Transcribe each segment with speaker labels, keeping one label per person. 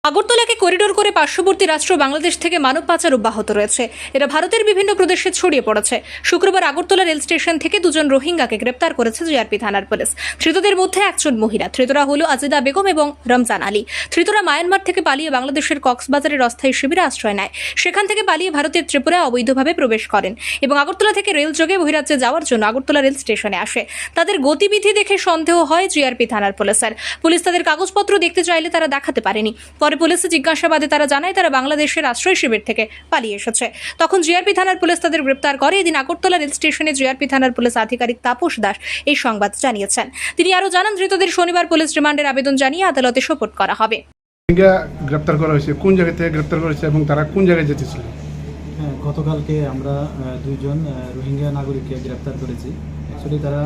Speaker 1: আগরতলাকে corridor করে পার্শ্ববর্তী রাষ্ট্র বাংলাদেশ থেকে মানব পাচার অব্যাহত রয়েছে। এরা ভারতের বিভিন্ন প্রদেশে ছড়িয়ে পড়েছে। শুক্রবার আগরতলা রেল স্টেশন থেকে দুজন রোহিঙ্গাকে গ্রেপ্তার করেছে জিআরপি থানার পুলিশ। ধৃতদের মধ্যে একজন মহিলা। ধৃতরা হলো আজিদা বেগম এবং রমজান আলী। ধৃতরা মায়ানমার থেকে পালিয়ে বাংলাদেশের কক্সবাজারের অস্থায়ী শিবিরে আশ্রয় নেয়। সেখান থেকে পালিয়ে ভারতের ত্রিপুরায় অবৈধভাবে প্রবেশ করেন এবং আগরতলা থেকে রেল যোগে বহিরাজ্যে যাওয়ার জন্য আগরতলা রেল স্টেশনে আসে। তাদের গতিবিধি দেখে সন্দেহ হয় জিআরপি থানার পুলিশের। পুলিশ তাদের কাগজপত্র দেখতে চাইলে তারা দেখাতে পারেনি। পরে পুলিশে জিজ্ঞাসাবাদে তারা জানায় তারা বাংলাদেশের আশ্রয় শিবির থেকে পালিয়ে এসেছে। তখন জিআরপি থানার পুলিশ তাদের গ্রেপ্তার করে। এদিন আগরতলা রেল স্টেশনে জিআরপি থানার পুলিশ আধিকারিক তাপস দাস এই সংবাদ জানিয়েছেন। তিনি আরও জানান, ধৃতদের শনিবার পুলিশ রিমান্ডের আবেদন জানিয়ে আদালতে সোপর্দ করা হবে।
Speaker 2: গ্রেপ্তার করা হয়েছে, কোন জায়গা থেকে গ্রেপ্তার করেছে এবং তারা কোন জায়গায় যেতেছিল?
Speaker 3: হ্যাঁ, গতকালকে আমরা দুইজন রোহিঙ্গা নাগরিককে গ্রেপ্তার করেছি। অ্যাকচুয়ালি তারা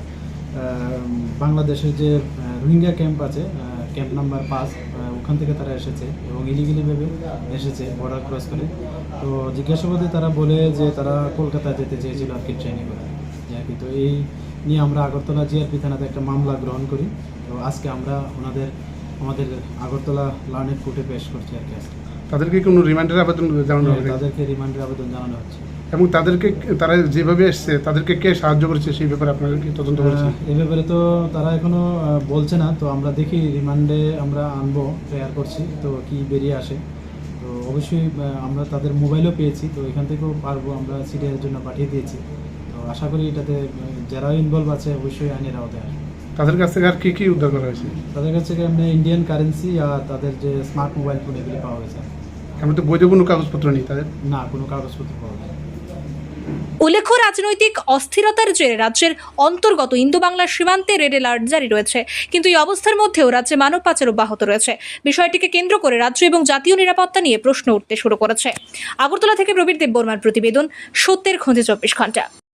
Speaker 3: বাংলাদেশের যে রোহিঙ্গা ক্যাম্প আছে, ক্যাম্প নাম্বার 5, ওখান থেকে তারা এসেছে এবং ইলিগালিভাবে এসেছে বর্ডার ক্রস করে। তো জিজ্ঞাসাবাদে তারা বলে যে তারা কলকাতা যেতে চেয়েছিল আর কি, ট্রেনে করে আর কি। তো এই নিয়ে আমরা আগরতলা জিআরপি থানাতে একটা মামলা গ্রহণ করি। তো আজকে আমরা আমাদের আগরতলা লার্নেড কোর্টে পেশ করছি আর কি। আজকে
Speaker 2: তাদেরকে কোনো রিমান্ডের আবেদন জানানো হবে?
Speaker 3: তাদেরকে রিমান্ডের আবেদন জানানো হচ্ছে।
Speaker 2: এবং তারা যেভাবে এসছে তাদেরকে কে সাহায্য করেছে সেই ব্যাপারে আপনারা কি তদন্ত করেছেন?
Speaker 3: এই ব্যাপারে তো তারা এখনো বলছে না। তো আমরা দেখি, রিমান্ডে আমরা আনবো, প্রেয়ার করছি, তো কি বেরিয়ে আসে। তো অবশ্যই আমরা তাদের মোবাইলও পেয়েছি, তো এখান থেকেও পারবো, আমরা সিডিআর জন্য পাঠিয়ে দিয়েছি। তো আশা করি এটাতে যারা ইনভলভ আছে অবশ্যই আইনের আওতায় আসবে।
Speaker 2: তাদের কাছ থেকে আর কি কি উদ্ধার করা হয়েছে?
Speaker 3: তাদের কাছ থেকে এমনি ইন্ডিয়ান কারেন্সি আর তাদের যে স্মার্ট মোবাইল ফোন এগুলি পাওয়া গেছে।
Speaker 2: এমন তো বৈধ কোনো কাগজপত্র নেই তাদের?
Speaker 3: না, কোনো কাগজপত্র পাওয়া যায়।
Speaker 1: উল্লেখ্য, রাজনৈতিক অস্থিরতার জেরে রাজ্যের অন্তর্গত ইন্দো বাংলার সীমান্তে রেড অ্যালার্ট জারি রয়েছে। কিন্তু এই অবস্থার মধ্যেও রাজ্যে মানব পাচার অব্যাহত রয়েছে। বিষয়টিকে কেন্দ্র করে রাজ্য এবং জাতীয় নিরাপত্তা নিয়ে প্রশ্ন উঠতে শুরু করেছে। আগরতলা থেকে প্রবীর দেববর্মার প্রতিবেদন, সত্যের খোঁজে 24 ঘন্টা।